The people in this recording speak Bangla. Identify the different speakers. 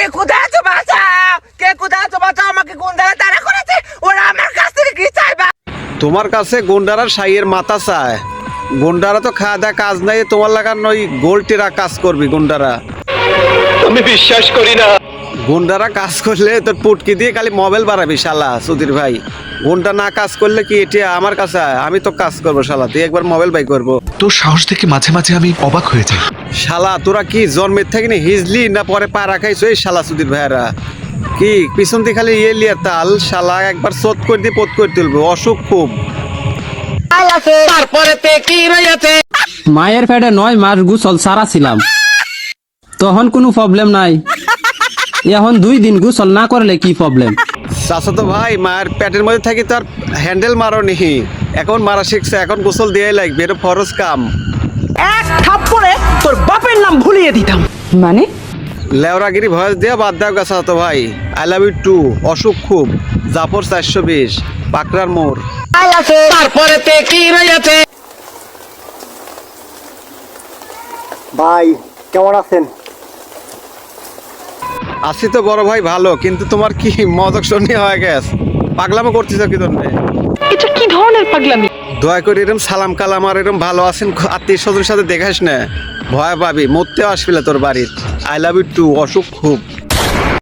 Speaker 1: কোথায় আছো বাঁচাও, কে কোথায় আছো বাঁচাও, আমাকে গুন্ডারা তাড়া করেছে, ওরা আমার কাছ থেকে কি চাইবা?
Speaker 2: তোমার কাছে গুন্ডারা সাইয়ের মাথা চায়। গুন্ডারা তো খাওয়া দাওয়া কাজ নাই, তোমার লাগার নই গোলটিরা কাজ করবি। গুন্ডারা
Speaker 3: আমি বিশ্বাস করি না।
Speaker 2: গুন্ডারা কাজ করলে তোর পুটকি দিয়ে খালি মোবাইল বাড়াবি শালা সুধীর ভাই। গুন্ডা না কাজ করলে কি এটা আমার কাছে আয়? আমি তো কাজ করবো শালা, তুই একবার মোবাইল বাই করবো।
Speaker 4: তোর সাহস দেখে মাঝে মাঝে আমি অবাক হয়ে যাই।
Speaker 2: শালা তোরা কি জন্মের থেকে নি হিজলি না পরে পাড়া খাইছো? এই শালা সুধীর ভাইরা কি পিছন দিয়ে খালি ইয়ে লিয়া তাল, শালা একবার চোট করে দিয়ে পোত করে তুলবো। অসুখ খুব।
Speaker 1: তারপরে তে কি রয়েছে?
Speaker 5: মায়ের পেটে 9 মাস গোসল সারা ছিলাম, তখন কোনো প্রবলেম নাই। এখন 2 দিন গোসল না করলে কি প্রবলেম?
Speaker 2: চাচা তো ভাই মায়ের পেটের মধ্যে থাকি তো আর হ্যান্ডেল মারো নি, এখন মারা শিখছে, এখন গোসল দিয়ে লাগবে, এটা ফরজ কাম।
Speaker 1: এক থাপ্পড়ে তোর বাপের নাম ভুলিয়ে দিতাম।
Speaker 6: মানে
Speaker 2: লেওরাগিরি ভয়েস দিয়ে বাদ দাও গেছা তো ভাই। I love you too. অসুখ খুব। জাফর 420 পাকড়ার মোড়।
Speaker 1: তারপরে তে কি রয়েছে?
Speaker 7: ভাই কেমন আছেন?
Speaker 2: আছি তো বড় ভাই ভালো, কিন্তু তোমার কি মদক শনি হয়ে গেছে? পাগলামো করতেছ কি তোমরা?
Speaker 6: এটা কি ধরনের পাগলামি?
Speaker 2: দয়া করে এরম সালাম কালাম আর এরম ভালো আছেন আত্মীয় স্বজনের সাথে দেখাস না, ভয় পাবি, মরতেও আসবি না তোর বাড়ির। I love you too. অসুখ খুব।